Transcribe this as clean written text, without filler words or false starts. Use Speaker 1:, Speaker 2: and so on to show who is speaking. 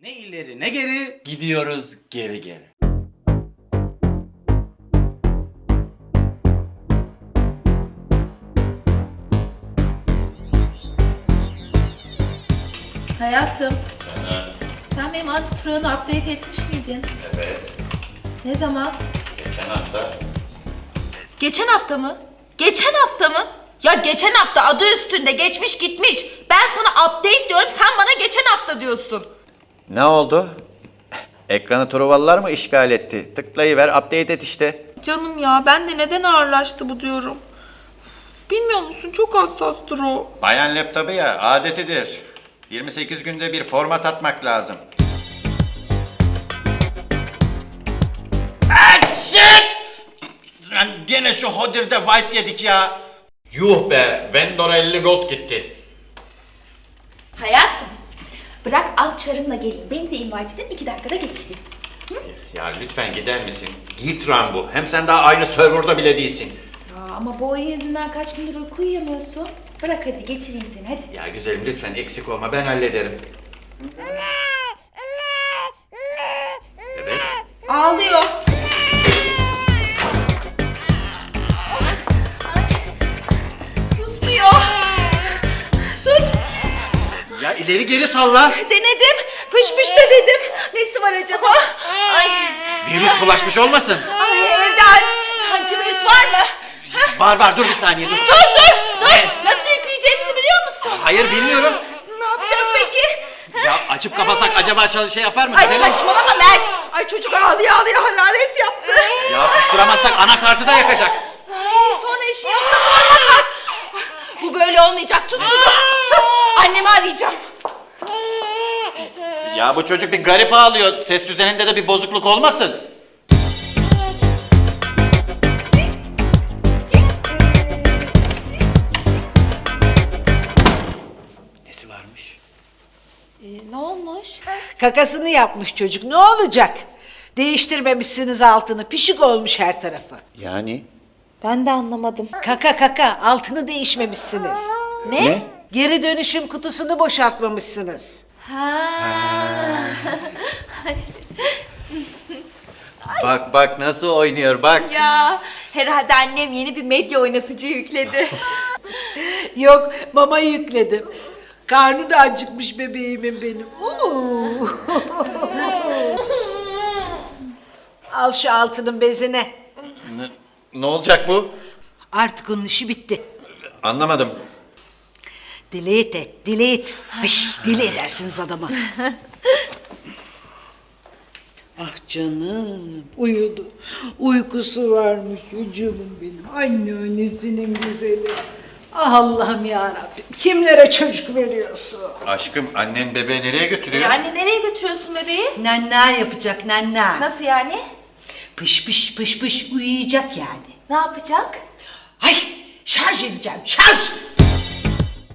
Speaker 1: Ne ileri ne geri
Speaker 2: Gidiyoruz geri geri.
Speaker 3: Hayatım, sen benim antitronu update etmiş miydin?
Speaker 2: Evet.
Speaker 3: Ne zaman?
Speaker 2: Geçen hafta.
Speaker 3: Geçen hafta mı? Geçen hafta mı? Ya geçen hafta adı üstünde geçmiş gitmiş. Ben sana update diyorum, sen bana geçen hafta diyorsun.
Speaker 4: Ne oldu? Ekranı Truvalılar mı işgal etti? Tıklayıver, update et işte.
Speaker 5: Canım ya, ben de neden ağırlaştı bu diyorum. Bilmiyor musun, çok hassastır o.
Speaker 4: Bayan laptopu ya, adetidir. 28 günde bir format atmak lazım.
Speaker 2: Shit! Lan gene şu Hodir'de wipe yedik ya. Yuh be, Vendor'a 50 gold gitti.
Speaker 3: Hayatım, bırak alt çarımla geleyim. Beni de invite edin, 2 dakikada geçireyim.
Speaker 2: Ya lütfen gider misin? Gitran bu. Hem sen daha aynı serverda bile değilsin.
Speaker 3: Ya ama bu oyun yüzünden kaç gündür uyku uyuyamıyorsun. Bırak hadi geçireyim seni hadi.
Speaker 2: Ya güzelim lütfen eksik olma, ben hallederim. Evet.
Speaker 3: Ağlıyor. Susmuyor. Sus.
Speaker 2: Ya ileri geri salla.
Speaker 3: Denedim. Pış pış da dedim. Nesi var acaba? Ay.
Speaker 2: Virüs bulaşmış olmasın?
Speaker 3: Ay evde antivirüs var mı?
Speaker 2: Var dur bir saniye dur.
Speaker 3: Dur. Nasıl yükleyeceğimizi biliyor musun?
Speaker 2: Hayır bilmiyorum.
Speaker 3: Ne yapacağız peki?
Speaker 2: Ya açıp kapasak acaba şey yapar mı?
Speaker 3: Ay
Speaker 2: Güzelim.
Speaker 3: saçmalama Mert. Ay çocuk ağlıyor hararet yaptı.
Speaker 2: Ya susturamazsak anakartı da yakacak.
Speaker 3: Ay, sonra işin yoksa parmak at. Bu böyle olmayacak. Tut şunu. Tut. Annemi arayacağım.
Speaker 2: Ya bu çocuk bir garip ağlıyor. Ses düzeninde de bir bozukluk olmasın? Nesi varmış?
Speaker 3: Ne olmuş?
Speaker 6: Kakasını yapmış çocuk. Ne olacak? Değiştirmemişsiniz altını. Pişik olmuş her tarafı.
Speaker 4: Yani?
Speaker 3: Ben de anlamadım.
Speaker 6: Kaka altını değişmemişsiniz.
Speaker 3: Ne?
Speaker 6: Geri dönüşüm kutusunu boşaltmamışsınız.
Speaker 4: Bak nasıl oynuyor bak.
Speaker 3: Ya herhalde annem yeni bir medya oynatıcı yükledi.
Speaker 6: Yok mama yükledim. Karnı da acıkmış bebeğimin benim. Oo. Al şu altının bezine.
Speaker 4: Ne olacak bu?
Speaker 6: Artık onun işi bitti.
Speaker 4: Anlamadım.
Speaker 6: Delete et, delete. Ay, deli edersiniz adamı. Ah canım, uyudu. Uykusu varmış çocuğum benim. Anneannesinin güzeli. Ah Allah'ım yarabbim, kimlere çocuk veriyorsun?
Speaker 4: Aşkım annen bebeği nereye götürüyor?
Speaker 3: Anne nereye götürüyorsun bebeği?
Speaker 6: Nenna yapacak, nenna.
Speaker 3: Nasıl yani?
Speaker 6: Pış uyuyacak yani.
Speaker 3: Ne yapacak?
Speaker 6: Ay, şarj edeceğim, şarj!